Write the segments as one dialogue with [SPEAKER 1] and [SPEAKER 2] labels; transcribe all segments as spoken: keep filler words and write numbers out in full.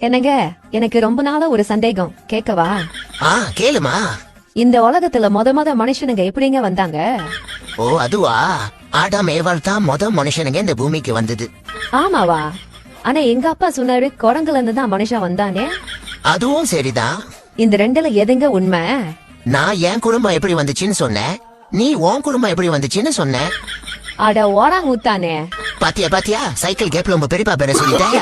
[SPEAKER 1] என்னங்க, எனக்கு ரொம்ப நாளா ஒரு சந்தேகம், கேட்கவா?
[SPEAKER 2] ஆ கேளுமா.
[SPEAKER 1] இந்த உலகத்துல முத முத மனுஷனுங்க எப்படிங்க வந்தாங்க?
[SPEAKER 2] ஓ அதுவா, ஆடாம் ஏவாள் தான் முத மனுஷனுங்க இந்த பூமிக்கு வந்தது.
[SPEAKER 1] ஆமாவா? ஆனா எங்க அப்பா சொன்னாரு குரங்குல இருந்து தான் மனுஷன் வந்தானே.
[SPEAKER 2] அதுவும் சரிதான்.
[SPEAKER 1] இந்த ரெண்டுல எதுங்க உண்மை?
[SPEAKER 2] நான் என் குடும்பம் எப்படி வந்துச்சுன்னு சொன்னேன், நீ உன் குடும்பம் எப்படி வந்துச்சுன்னு சொன்ன.
[SPEAKER 1] அட ஓடாங் ஊத்தானே.
[SPEAKER 2] பாத்தியா பாத்தியா, சைக்கிள் கேப்ல உங்க பெரியப்பா பேர சொல்லிட்டாங்க.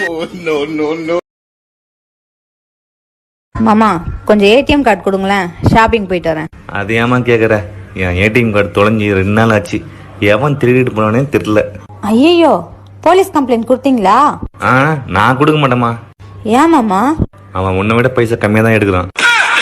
[SPEAKER 3] மாமா கொஞ்சம் ஏடிஎம் கார்டு கொடுங்களேன், ஷாப்பிங் போயிட்டு வரேன்.
[SPEAKER 4] அது ஏமா கேக்குற? என் ஏடிஎம் கார்டு தொலைஞ்சி ரெண்டு நாள் ஆச்சு. எவன் திருடிட்டு போனானே தெரியல.
[SPEAKER 3] ஐயோ, போலீஸ் கம்ப்ளைண்ட் கொடுத்தீங்களா?
[SPEAKER 4] ஆ நான் கொடுக்க மாட்டேமா.
[SPEAKER 3] ஏன் மாமா?
[SPEAKER 4] அவன் உன்னை விட பைசா கம்மியா தான் எடுக்கிறான்.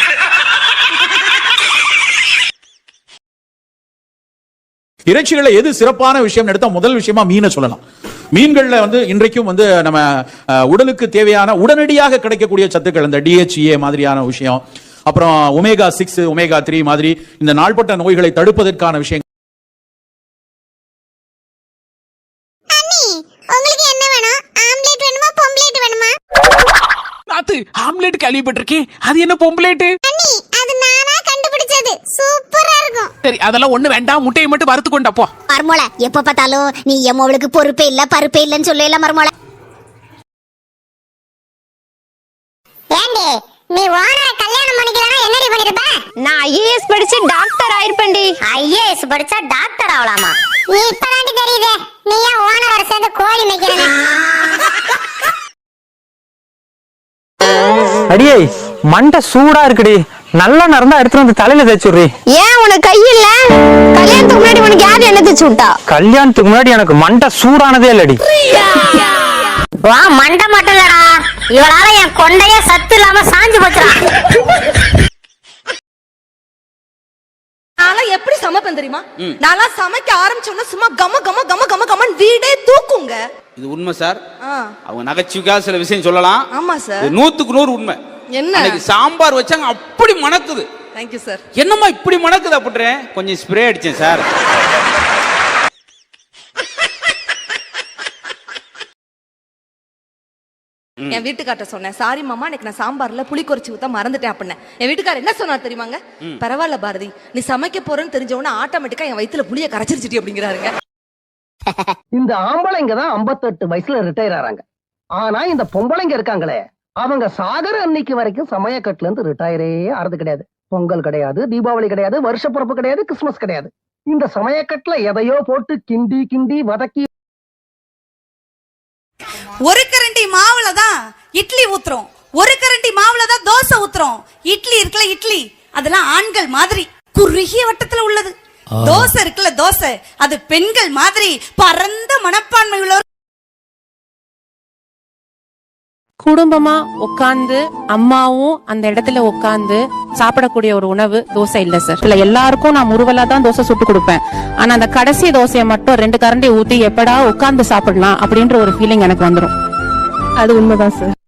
[SPEAKER 5] இறைச்சிகளை எது சிறப்பான விஷயம் எடுத்தா முதல் விஷயமா மீனை சொல்லலாம். மீன்கள்ல வந்து இன்றைக்கும் வந்து நம்ம உடலுக்கு தேவையான உடனடியாக கிடைக்கக்கூடிய சத்துக்கள், இந்த டிஹெச்ஏ மாதிரியான விஷயம், அப்புறம் ஒமேகா சிக்ஸ் ஒமேகா த்ரீ மாதிரி இந்த நாள்பட்ட நோய்களை தடுப்பதற்கான விஷயம்.
[SPEAKER 6] ஆம்லெட் கேள்விப்பட்டிருக்கேன், அது என்ன பொம்பளேட்?
[SPEAKER 7] சூப்பரா இருக்கும்.
[SPEAKER 6] சரி அதெல்லாம் ஒண்ணு வேண்டாம், முட்டையை மட்டும் வறுத்து கொண்டா போ.
[SPEAKER 7] மர்மோள எப்ப பார்த்தாலும் நீ எம்மவளுக்கு பொறுப்பே இல்ல பருப்பே இல்லன்னு சொல்லல மர்மோள. ஏண்டி நீ ஓனரை கல்யாணம் பண்ணிக்கலனா என்னடி பண்ணிருப்ப?
[SPEAKER 8] நான் ஐஏஎஸ் படிச்சு டாக்டர் ஆயிருப்பேன்டி.
[SPEAKER 7] ஐஏஎஸ் படிச்சா டாக்டர் ஆவலாமா? நீ இப்பதாண்டி தெரியுதே, நீ ஏன் ஓனரோட சேர்ந்து கோழி மேய்க்கிறேன்னு.
[SPEAKER 9] அடியே மண்டை சூடா இருக்குடி, நல்லா நடந்தா எடுத்து வந்து தலையில தேய்ச்சுடுறி.
[SPEAKER 8] ஏன் உனக்கு கை இல்ல? கல்யாணத்துக்கு முன்னாடி உனக்கு யாரு என்ன தேய்ச்சு விட்டா?
[SPEAKER 9] கல்யாணத்துக்கு முன்னாடி எனக்கு மண்டை சூடானதே இல்லடி.
[SPEAKER 7] வா மண்டை மட்டும் இல்லடா, இவளால என் கொண்டைய சத்து இல்லாம சாஞ்சு போச்சுடா.
[SPEAKER 10] நான்லாம் எப்படி சமைப்பேன் தெரியுமா? நான்லாம் சமைக்க ஆரம்பிச்சோன்னா சும்மா கம கம கம கம கமன் வீடே தூக்குங்க.
[SPEAKER 6] இது உண்மை சார். அவங்க நகைச்சுவைக்காக சில விஷயம் சொல்லலாம்.
[SPEAKER 10] ஆமா சார்,
[SPEAKER 6] நூத்துக்கு நூறு உண்மை.
[SPEAKER 10] என்ன
[SPEAKER 6] சாம்பார் வச்சாங்க அப்படி மணக்குது.
[SPEAKER 10] Thank you sir.
[SPEAKER 6] என்னம்மா இப்படி மணக்குது அப்படின்றேன், கொஞ்சம் ஸ்ப்ரே அடிச்சேன் சார்.
[SPEAKER 10] என் வீட்டுக்கார்ட்ட சொன்னேன், சாரி மாமா எனக்கு நான் சாம்பார்ல புளி குறைச்சி ஊத்த மறந்துட்டேன் அப்படின்னு. என் வீட்டுக்காரர் என்ன சொன்னார் தெரியுமாங்க? பரவாயில்ல பாரதி, நீ சமைக்க போறேன்னு தெரிஞ்ச உடனே ஆட்டோமேட்டிக்கா என் வயித்துல புளிய கரைச்சிருச்சுட்டி அப்படிங்கிறாருங்க.
[SPEAKER 11] இந்த ஆம்பளைங்க தான் ஐம்பத்தெட்டு வயசுல ரிட்டையர் ஆறாங்க. ஆனா இந்த பொம்பளைங்க இருக்காங்களே, அவங்க சாகர அன்னைக்கு வரைக்கும் சமயக்கட்டுல இருந்து ரிட்டையரே ஆறது கிடையாது. பொங்கல் கிடையாது, தீபாவளி கிடையாது, வருஷ பிறப்பு கிடையாது, கிறிஸ்துமஸ் கிடையாது. இந்த சமயக்கட்டுல எதையோ போட்டு கிண்டி கிண்டி வதக்கி
[SPEAKER 12] ஒரு கரண்டி மாவுல தான் இட்லி ஊத்துறோம், ஒரு கரண்டி மாவுல தான் தோசை ஊத்துறோம். இட்லி இருக்குல்ல இட்லி, அதெல்லாம் ஆண்கள் மாதிரி குறுகிய வட்டத்துல உள்ளது. தோசை இருக்குல்ல தோசை, அது பெண்கள் மாதிரி பரந்த மனப்பான்மை உள்ளவர்.
[SPEAKER 13] குடும்பமா உட்கார்ந்து அம்மாவும் அந்த இடத்துல உட்கார்ந்து சாப்பிடக்கூடிய ஒரு உணவு தோசை இல்ல சார். இல்ல எல்லாருக்கும் நான் முறுவலா தான் தோசை சுட்டு கொடுப்பேன். ஆனா அந்த கடைசி தோசையை மட்டும் ரெண்டு கரண்டி ஊத்தி எப்படா உட்கார்ந்து சாப்பிடலாம் அப்படின்ற ஒரு ஃபீலிங் எனக்கு வந்துடும். அது உண்மைதான் சார்.